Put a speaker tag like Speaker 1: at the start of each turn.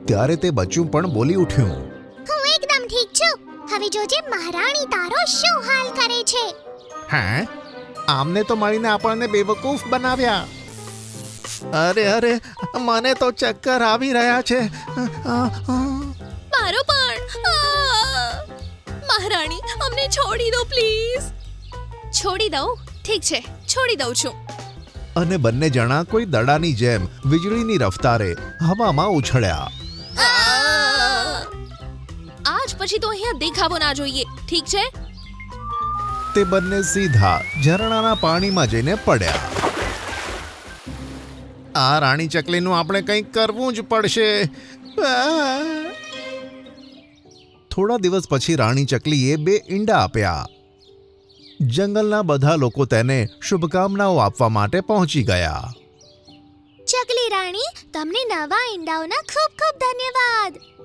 Speaker 1: ત્યારે તે બચ્ચું પણ બોલી ઉઠ્યું,
Speaker 2: હું એકદમ ઠીક છું. હવે જોજે મહારાણી તારો શું હાલ કરે છે.
Speaker 1: હે? આમને તો મળીને આપણને બેવકૂફ બનાવ્યા. અરે અરે, મને તો ચક્કર આવી રહ્યા છે.
Speaker 3: મારો પણ. મહારાણી, અમને છોડી દો પ્લીઝ. છોડી દઉં? ઠીક છે, છોડી દઉં છું.
Speaker 1: અને બંને જણા કોઈ દડાની જેમ વીજળીની રફતારે હવામાં ઉછળ્યા.
Speaker 3: આજ પછી તો અહીંયા દેખાવો ના જોઈએ, ઠીક છે?
Speaker 1: તે બંને સીધા ઝરણાના પાણીમાં જઈને પડ્યા. આ રાણી ચકલીનું આપણે કંઈક કરવું જ પડશે. થોડા દિવસ પછી રાણી ચકલીએ 2 ઈંડા આપ્યા. જંગલના બધા લોકો તેને શુભકામનાઓ આપવા માટે પહોંચી ગયા.
Speaker 2: ચકલી રાણી, તમને નવા ઈંડાઓના ખૂબ ખૂબ ધન્યવાદ.